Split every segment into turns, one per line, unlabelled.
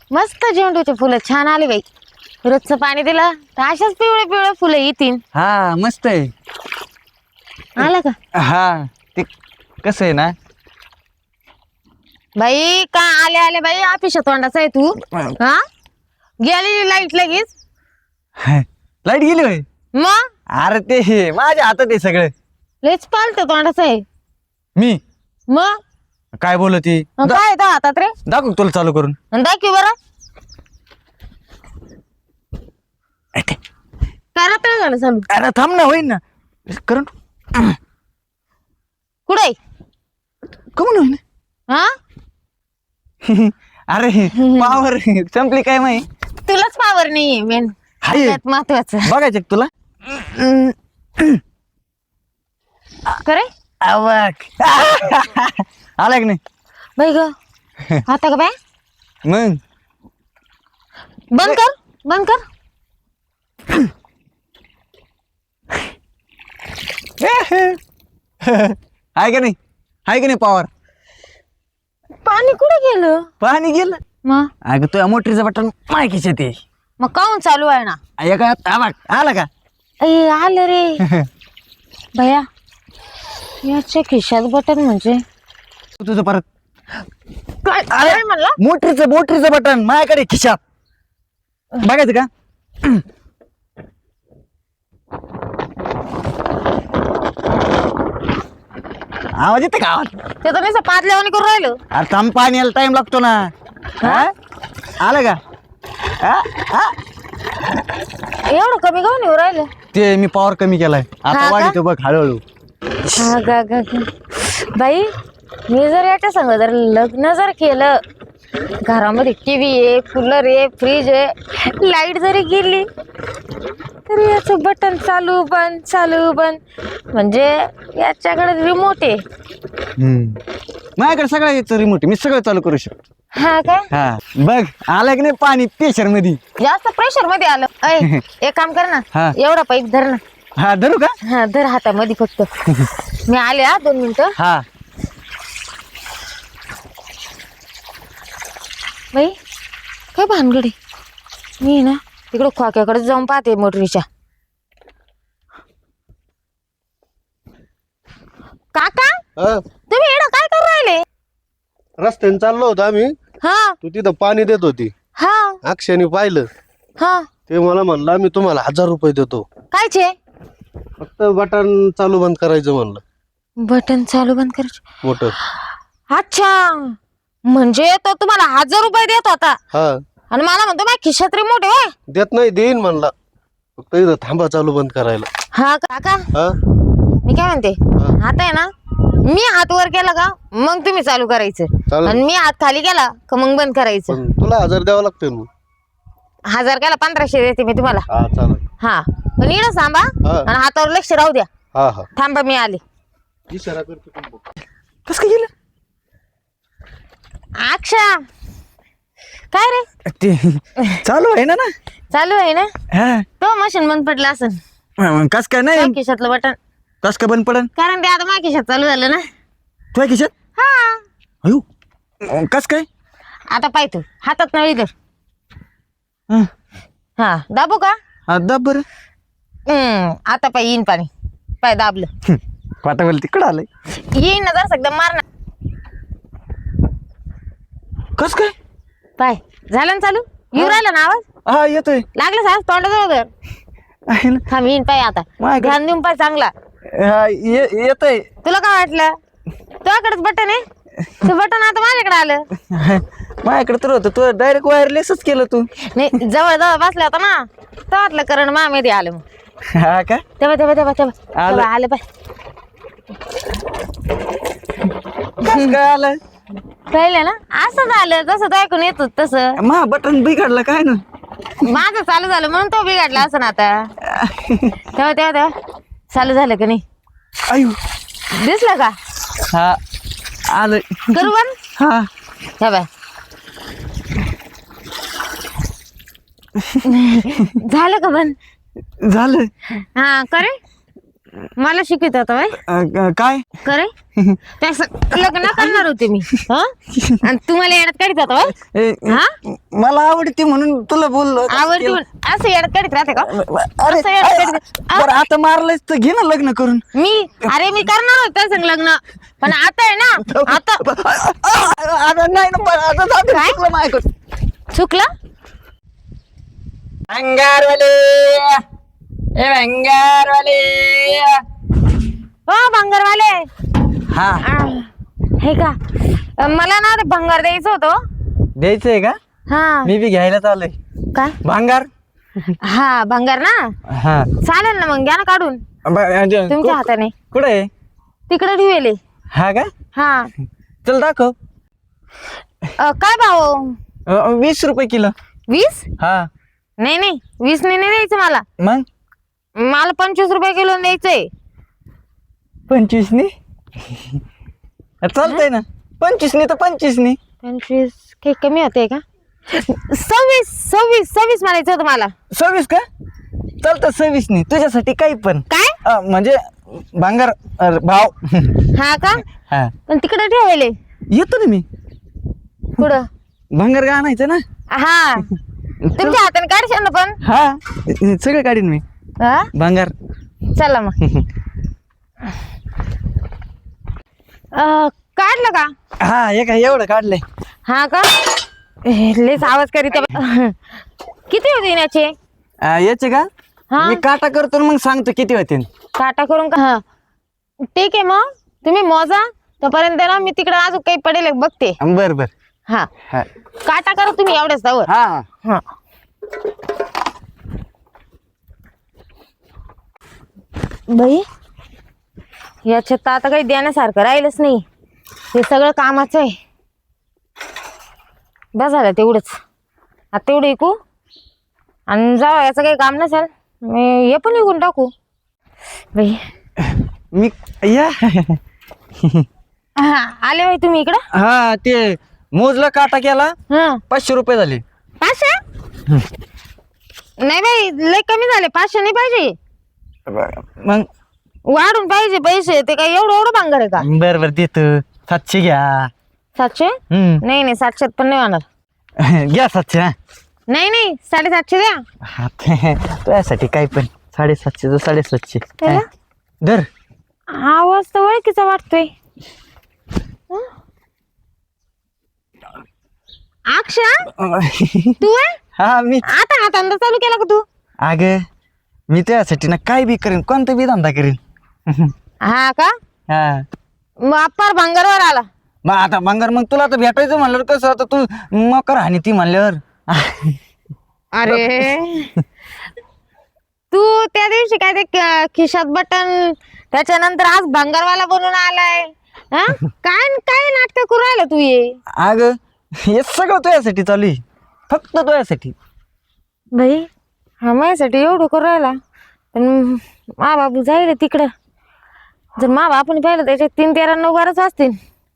मस्त झेंडूचे फुलं छान आले बाई. रोजचं पाणी दिलं तर अशाच पिवळे पिवळे फुलं येतील.
हा मस्त आहे.
आलं का
हा ते कसं आहे ना
बाई? का आले आले बाई ऑफिस तोंडाचा आहे तू. हा गेली लाईट लगेच.
लाईट गेली होय.
मग
अरे ते माझ्या हातात आहे सगळं.
लेच पालत तोंडाचं आहे.
मी
मग
काय बोलती
काय येतं हातात रे?
दाखव तुला चालू करून.
दाखव बरं. काय रात्र झालं चालू?
अरे थांब ना होईन ना करून
कुठे
कमून होईन.
हा
अरे पावर संपली काय माही.
तुलाच पावर नाहीये मेन
हाय.
महत्वाचं
बघायचं का तुला.
करे
अबक आला की नाही
बाई ग आता का बाय
मग
बंद कर बंद कर.
हाय का नाही हाय का नाही पावर.
पाणी कुठे गेलं?
पाणी गेलं.
मग
अगं तुझ्या मोटरीचं बटन माय खिशात आहे.
मग काऊन चालू आहे ना?
एका अबक आला का.
ए आलं रे भया. याच्या खिशात बटन म्हणजे
तुझं परत
काय काय म्हणला?
मोटरीचं बटन माझ्याकडे खिशात. बघायचं का. आवाज येते का. आवाज
ते तर नाही पादल्यावानी करून राहिलं.
अरे थांब पाणी यायला टाइम लागतो ना. हा आलं का. हा
एवढं कमी काऊन येऊ राहिलं?
ते मी पॉवर कमी केलाय
हा
आता
का?
वाढतो बघ हळूहळू.
हा गा गा गा. बाई मी जर याच्या संग जर लग्न जर केलं, घरामध्ये टीव्ही आहे, कूलर आहे, फ्रीज आहे, लाईट जरी गेली तरी याचं बटन चालू बंद म्हणजे याच्याकडे रिमोट आहे.
माझ्याकडे सगळं याचं रिमोट मी सगळं चालू करू शकतो.
हा काय
हा बघ आलं की नाही पाणी प्रेशर मध्ये.
जास्त प्रेशर मध्ये आलं. ऐ एक काम कर ना,
हा.
एवढा पाईप धर ना.
हा धरू का.
हा धर हातामध्ये फक्त. मी आले हा 2 मिनिटं.
हा
बाई काय भानगडी. मी ना तिकडं खोक्याकडे जाऊन पाहते मोटरीच्या. काका तुम्ही एवढं काय करू राहिले?
रस्त्याने चाललो होतो आम्ही.
हा
तू तिथं पाणी देत होती.
हा
अक्षयने पाहिलं.
हा
ते मला म्हणलं आम्ही तुम्हाला 1000 रुपये देतो,
कायचे?
फक्त बटन चालू बंद करायचं म्हणलं.
बटन चालू बंद करायचे.
मोटर.
अच्छा म्हणजे तो तुम्हाला 1000 रुपये देत होता
हा
आणि मला म्हणतो माझ्या खिशात रिमोट आहे.
देत नाही, देईन म्हणला, फक्त इथं थांबा चालू बंद करायला.
हा काका
हा
मी काय म्हणते, आता आहे ना मी हात वर केला का मग तुम्ही चालू करायचं
चालेल.
आणि मी हात खाली केला का मग बंद करायचं.
पण तुला 1000 द्यावं लागतं मग.
1000 केला 1500 देते मी तुम्हाला.
हा चालेल.
हा पण इकडं थांबा
हा.
आणि हातावर लक्ष राहू द्या.
हा हा
थांबा मी आले.
इशारा करतो तुम्ही.
कस काय गेलं
अक्षा काय रे
ते चालू आहे ना ना.
चालू आहे ना.
हा
तो मशीन बंद पडला असेल.
कस काय नाही
खिशातलं बटन
कस काय बंद पडन.
कारण ते आता माझ्या खिशात चालू झालं ना.
तुझ्या खिशात.
हा
अयो कस काय.
आता पाय तू हातात नळी धर.
हा.
हा दाबू का.
हा दाब बरं.
आता पाय येईन पाणी. पाय दाबलं
वाटा बोल तिकडं आलंय.
येईन ना जरा एकदम मार ना.
कस काय.
पाय झालं ना चालू. येऊ राहिला ना आवाज.
हा येतोय.
लागलं साहेब तोंडाजवळ धर.
आहे ना.
थांब येईन पाय आता.
माझ्याकडे-
ध्यान देऊन पाय चांगला.
हा, येतोय.
तुला काय वाटलं तुझ्याकडेच बटन आहे. ते बटन आता माझ्याकडे आलं.
माझ्याकडे तर होतं तू डायरेक्ट वायरलेसच केलं तू.
नाही जवळ जवळ बसला होता ना तेव्हातलं करण मामेमध्ये आलं मग.
हा का.
तेव्हा आलं पाय.
कस काय आलं.
कळलं ना असं झालं जसं तो ऐकून येत होत तसं.
मा बटन बिघडलं काय ना.
माझं चालू झालं म्हणून तो बिघडला असं ना आता. तेव्हा चालू झालं का नाही.
आयु
दिसलं का.
हा आलं.
करू बंद.
हा
तेव्हा झालं का बंद.
झालं.
हा करे मला शिकवित होता बाई
काय
करे त्यास लग्न करणार होते मी हा आणि तुम्हाला येड्यात काढीत होता बाई
ए,
हा
मला आवडते म्हणून तुला बोललो
आवडती असं येड्यात काढीत राहते का
अरे
असं येड्यात काढीत-
बरं, आता मारलंच तर घे ना लग्न करून.
मी मी करणार होते संग लग्न पण आता आहे ना आता
आता नाही ना पण आता जाऊ दे,
काय?
चुकलं माझ्याकडून.
चुकलं
भंगारवाले ए भंगारवाले
हो भंगारवाले
हा
हे का मला ना ते भंगार द्यायचं होतं
द्यायचंय का?
हा
मी बी घ्यायला चाललोय
काय
भांगार.
हा भंगार ना
हा
चालेल ना मग घ्या ना काढून तुमच्या हाताने
कुठे आहे?
तिकडे ठेवले
हा का?
हा
चल दाखव.
काय भाऊ
20 रुपये किलो.
20
हा
नाही नाही 20 नाही द्यायचं मला
मग
मला 25 रुपये किलो द्यायचंय
25 नी चालतंय ना. 25 नी तर 25 नी.
25 काही कमी होते का 26 म्हणायचं होतं मला
26 का? चालतं 26 नी तुझ्यासाठी काही पण.
काय
म्हणजे भांगार भाव.
हा का
हा
पण तिकडे ठेवले
येतो ना मी.
कुठं
भांगार का आणायचं ना.
हा तुमच्या हाताने काढशाल ना पण
हा सगळं काढीन मी
हा
भांगार.
चला मग काढलं का
हा हे काय एवढं काढलंय.
हा का लेस आवाज करीत किती होते याचे
याचे का?
हा
मी काटा करतो आणि मग सांगतो किती होते.
काटा करून का हा ठीक आहे मग तुम्ही मोजा तोपर्यंत ना मी तिकडे अजून काही पडेल बघते
बर बर.
हा
हा
काटा करा तुम्ही एवढ्याच जावर
हा
हा बाई याच्यात तर आता काही देण्यासारखं राहिलंच नाही हे सगळं कामाचं आहे बस झालं तेवढंच आता तेवढं ऐकू आणि जाऊ याचं काही काम नसेल मी हे पण विकून टाकू बाई
मी या
हा आले बाई तुम्ही इकडं
हा ते मोजला काटा केला
हा
500 रुपये झाले.
500 नाही बाई लय कमी झाले 500 नाही पाहिजे
मग
वाढून पाहिजे पैसे ते काय एवढं भांगर आहे का
बर बर देतो 700 घ्या.
700 नाही नाही 700 पण नाही होणार
घ्या 700. हा
नाही नाही 750 द्या
हा, तुझ्यासाठी काही पण 750 तर 750.
त्याला?
धर.
आवाज तर ओळखीचा वाटतोय हं? अक्षा तू आहे
हा मी
आता हा धंदा चालू केला का तू
अग मी तुझ्यासाठी ना काय बी करीन कोणता बी धंदा करीन.
हा का
हा
मग अप्पार भांगरवर आला
मग आता भांगार मग तुला तर भेटायचं म्हणल्यावर कसं आता तू मकर हानी ती म्हणल्यावर.
अरे तू त्या दिवशी काय ते खिशात बटन त्याच्यानंतर आज भांगरवाला बनून आलाय हा काय काय नाटक करू राहिला तू ये
अग हे सगळं तुझ्यासाठी चालू आहे फक्त तुझ्यासाठी.
भाई हा माझ्यासाठी एवढं करू राहिला पण मा बाबू जाईल तिकडं जर मा बापूने पाहिलं त्याच्यात 3, 13, 9, 12 असतील.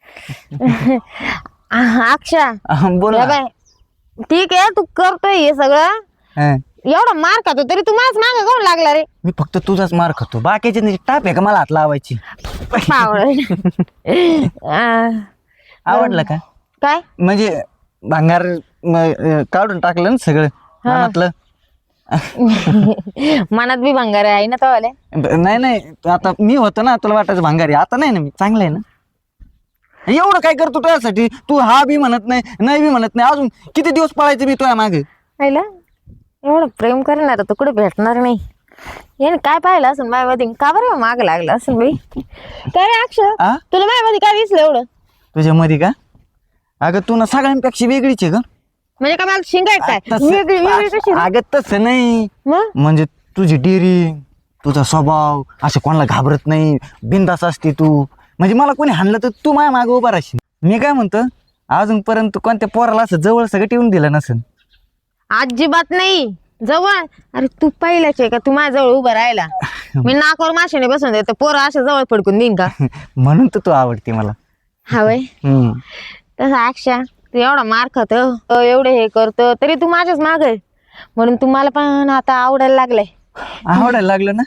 अक्षा
बोल
या
ना.
बाय ठीक आहे तू करतोय हे सगळं
हा.
एवढं मार खातो तरी तू माझ मागं कोण लागला रे
मी फक्त तुझाच मार खातो बाकीचे नाही टाप आहे का मला हात लावायची. आवडलं का?
काय
म्हणजे भांगार काढून टाकलं ना सगळं मनातलं.
मनात बी भंगार आहे ना तो आले
नाही नाही आता मी होतो ना तुला वाटायचं भांगारी आता नाही ना मी चांगलं आहे ना. एवढं काय करतो तुझ्यासाठी तू हा बी म्हणत नाही बी म्हणत नाही अजून किती दिवस पळायचं मी तुझ्या मागे.
पाहिलं एवढं प्रेम करणार तर कुठे भेटणार नाही याने काय पाहिलं असं माझ्यामध्ये का बरं माग लागलं असं बाई काय अक्षर
आ?
तुला माझ्यामध्ये काय दिसलं एवढं
तुझ्या मध्ये का? अगं तू ना सगळ्यांपेक्षा वेगळीच आहे ग.
म्हणजे काय मला शिंगायचं काय वेगळी वेगळी कशी रे?
अगं तसं नाही
मग
म्हणजे तुझी डेअरिंग तुझा स्वभाव असं कोणाला घाबरत नाही बिंदास असते तू. म्हणजे मला कोणी हाणलं तर तू माझ्या मागे उभा राहशील. मी काय म्हणतो अजूनपर्यंत तू कोणत्या पोराला असं जवळ सगळं ठेवून दिलं नसेल.
अजिबात नाही जवळ अरे तू पहिल्याच आहे का तू माझ्या जवळ उभा राहिला मी नाकावर माशाने बसून देतो पोरं अशा जवळ पडकून देईन का
म्हणून तर तू आवडते मला.
हवय तसं अक्षा तू एवढा मार खातो एवढं हे करतो तरी तू माझ्याच माग आहे म्हणून तुम्हाला पण आता आवडायला लागलंय.
आवडायला लागलं ना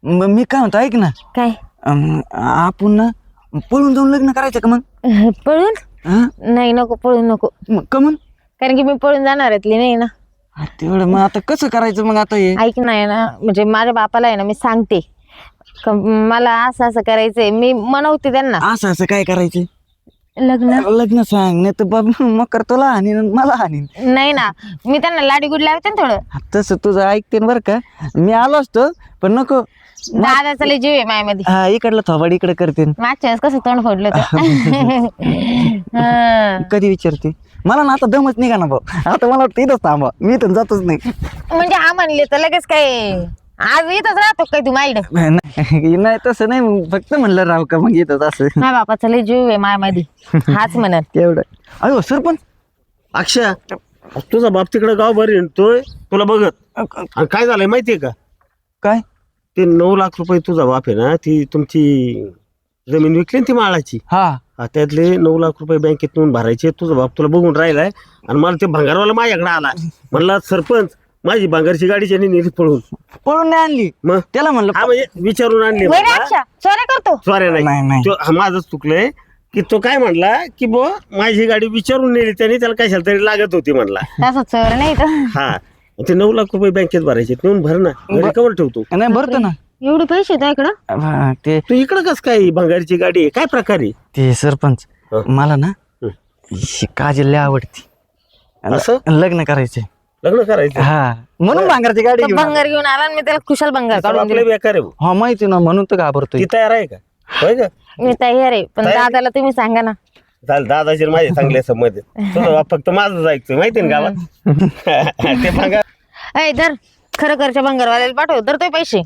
मी काय म्हणतो ऐक ना,
काय
आपण ना पळून जाऊन लग्न करायचं का मग?
पळून?
हा?
नाही नको, पळून नको.
मग का मग?
कारण की मी पळून जाणारातली नाही ना.
तेवढं मग आता कसं करायचं मग आता हे?
ऐक नाही ना, म्हणजे माझ्या बापाला आहे ना मी सांगते का मला असं असं करायचंय, मी मनवते त्यांना
असं असं काय करायचं?
लग्न.
लग्न सांग, नाही तर बाबा मग कर तुला हानीन आणि मला हानीन.
नाही ना, मी त्यांना लाडी गुड लावते ना थोडं.
तसं तुझं ऐकते बरं का, मी आलो असतो पण नको.
दादाचा लय जीव आहे मायामध्ये.
हा, इकडलं थोबाड इकडे करते.
मागच्या वेळेस कसं तोंड फोडलं होतं. हा.
कधी विचारते मला ना, आता दमच निघा ना भाऊ, आता मला वाटतं इथंच थांबा, मी तर जातच नाही.
म्हणजे हा म्हणले तर लगेच काय आज इथंच राहतो काय तू माईड?
नाही तसं नाही, मग फक्त म्हणलं राव का मग इथंच असं
माझ्या बापाचा लय जीव आहे मायामध्ये, हाच म्हणत.
तेवढं. अयो सरपंच,
अक्षय, तुझा बाप तिकडे गावभर येतोय तुला बघत. आणि काय झालंय माहितीये का,
काय?
ते 9 लाख रुपये तुझा बाप आहे ना, ती तुमची जमीन विकली ना ती माळाची.
हा,
त्यातले 9 लाख रुपये बँकेत नेऊन भरायचे. तुझा बाप तुला बघून राहिलाय आणि मला ते भंगारवाला माझ्याकडे आला. म्हणला सरपंच माझी भांगारची गाडी ज्यांनी नेली पळून.
पळून नाही आणली,
मग
त्याला म्हणलं
हा म्हणजे विचारून आणली.
वय रे अक्षा, चोऱ्या करतो.
सॉरी
नाही, नाही.
नाही तो माझंच चुकलंय की तो काय म्हणला की बो माझी गाडी विचारून नेली त्याने, त्याला कशाला तरी लागत होती म्हणला.
तसं चोर नाही तर.
हा, ते 9 लाख रुपये बँकेत भरायचे, नेऊन भर ना, घरी कवर ठेवतो.
नाही भरतो ना.
एवढे पैसे आहेत इकडं.
हा, ते
तू इकडं कस काय भंगारची गाडी आहे? काय प्रकारे
ते सरपंच,
हं.
मला ना
हं.
ही काजल लय आवडती.
असं?
लग्न करायचंय.
लग्न करायचं?
हा, म्हणून भांगरची गाडी
तो
घेऊन आलो.
भंगार घेऊन आला आणि मी त्याला कुशाल भंगार काढून
आपलं
दिला.
बेकार आहे भाऊ.
हा माहिती ना, म्हणून तर घाबरतोय.
ती तयार आहे का? होय का?
मी तयार आहे, पण
तयार?
दादाला तुम्ही सांगा ना.
चाल, दादाचे आणि माझे चांगले संबंध आहेत. तुझा बाप फक्त माझंच ऐकतोय माहिती ना गावात. ते भंगार.
ऐ धर, खरं घरच्या भंगारवाल्याला पाठव, तर ते पैसे.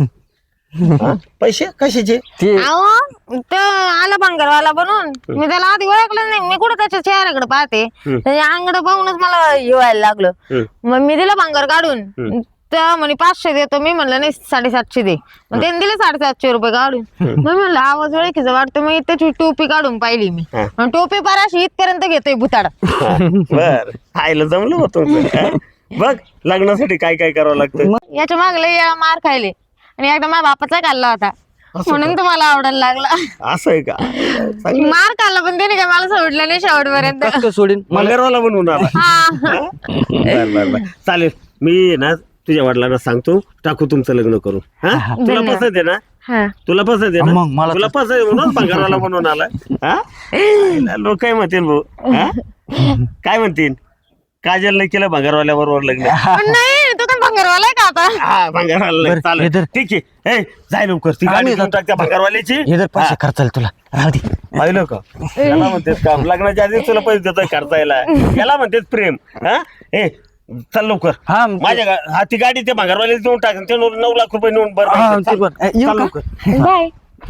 हा? पैसे कशाचे?
ते
अहो तो आला भंगारवाला बनून, मी त्याला आधी ओळखलं नाही, मी कुठं त्याच्या चेहऱ्याकडे पाहते, त्याच्या अंगड पाहूनच मला येवायला लागलं. मग मी दिलं भंगार काढून, तर म्हणे 500 देतो. मी म्हणलं नाही 750 दे. मग त्याने दिले 750 रुपये काढून. मग म्हणलं आवाज ओळखीचा वाटतो, मग त्याची टोपी काढून पाहिली मी, आणि टोपी पाराशी इथपर्यंत घेतोय भुताड.
बर, आईला जमलं होतं. बघ लग्नासाठी काय काय करावं लागतं.
याच्या मागले या मार खायले, आणि एकदा माझ्या बापाचा खाल्ला होता, म्हणून तुम्हाला आवडायला लागला.
असं आहे का? चांगलं.
मार खाल्ला पण त्याने काय मला सोडलं नाही शेवटपर्यंत.
कसं सोडीन मला?
भंगारवाला बनवून आला.
हा.
बर बर बर, चालेल. मी ना तुझ्या वडिलांना सांगतो, टाकू तुमचं लग्न करून. हा, तुला
धन्यवाद.
पसंत आहे ना?
हा.
तुला पसंत आहे
मग मला
ना? तुला पसंत आहे म्हणून भंगारवाला बनवून आला. हा, लोक काय म्हणतील भाऊ? हा? काय म्हणतील? काजलने केलं भंगारवाल्याबरोबर लग्न.
पण नाही, तो काय भंगारवाला आहे का आता?
हा, भंगारवाला
बरं,
चालेल.
इधर.
ठीक आहे. ए, जाय लवकर, ती गाडी घेऊन टाक त्या भंगारवाल्याची.
हे जर पैसे खर्चाल तुला राहू दे.
पाहिलं का? याला म्हणतेस का लग्नाच्या आधी तुला पैसे देतोय खर्चायला? याला म्हणतेस प्रेम. हा, ए चल लवकर.
हा,
हा, ती गाडी ते भंगारवाले देऊन टाक, ते 9 लाख रुपये नेऊन बर.
हा, ते पण. येऊ
चल
का?
लवकर.
बाय.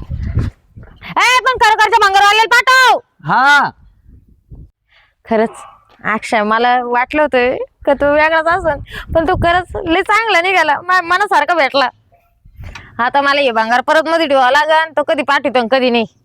ए पण खरोखरच्या भंगारवाल्याला पाठव.
हा,
खरंच अक्षय, मला वाटलं होतं का तू वेगळाच असन, पण तू खरंच लय चांगला निघाला, मनासारखा भेटला. आता मला हे भंगार परत मध्ये ठेवावं लागन, तो कधी पाठवतो कधी नाही.